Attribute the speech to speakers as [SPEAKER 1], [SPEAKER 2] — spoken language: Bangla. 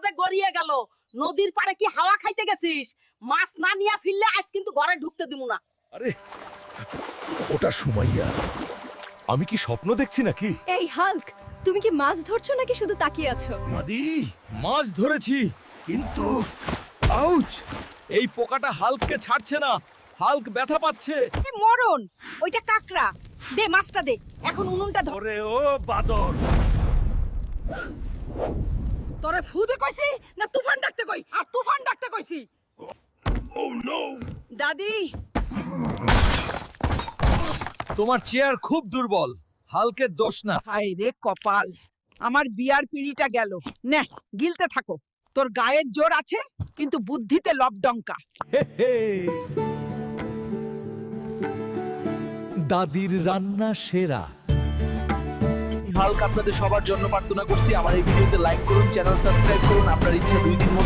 [SPEAKER 1] যে গড়িয়ে গেল। নদীর পাড়ে কি হাওয়া খাইতে গেছিস? মাছ না নিয়া ফিরলে আজ কিন্তু ঘরে ঢুকতে দিব না।
[SPEAKER 2] আরে ওটা সুমাইয়া, আমি কি স্বপ্ন দেখছি নাকি?
[SPEAKER 3] এই হাল্ক, তুমি কি মাছ ধরছো নাকি শুধু তাকিয়ে আছো?
[SPEAKER 2] দাদি, মাছ ধরেছি, কিন্তু আউচ, এই পোকাটা হাল্ককে ছাড়ছে না। হাল্ক ব্যথা পাচ্ছে।
[SPEAKER 1] মরণ, ওইটা কাকড়া। দে মাছটা দে, এখন উনুনটা ধর।
[SPEAKER 2] ওরে ও বাদর,
[SPEAKER 1] তোরে ফুদে কইছি না তুফান ডাকতে কই? আর তুফান ডাকতে কইছি।
[SPEAKER 2] ও নো,
[SPEAKER 1] দাদি,
[SPEAKER 2] তোমার চেয়ার খুব দুর্বল। হাল্কের দোষ না।
[SPEAKER 1] হায় রে কপাল, আমার বিয়ার পিড়িটা গেল। নে, গিলতে থাকো। তোর গায়ের জোর আছে, কিন্তু বুদ্ধিতে লবডঙ্কা।
[SPEAKER 2] দাদির রান্না সেরা।
[SPEAKER 4] হাল্ক আপনাদের সবার জন্য প্রার্থনা করছি। আমার এই ভিডিওতে লাইক করুন, চ্যানেল সাবস্ক্রাইব করুন। আপনার ইচ্ছা 2 দিন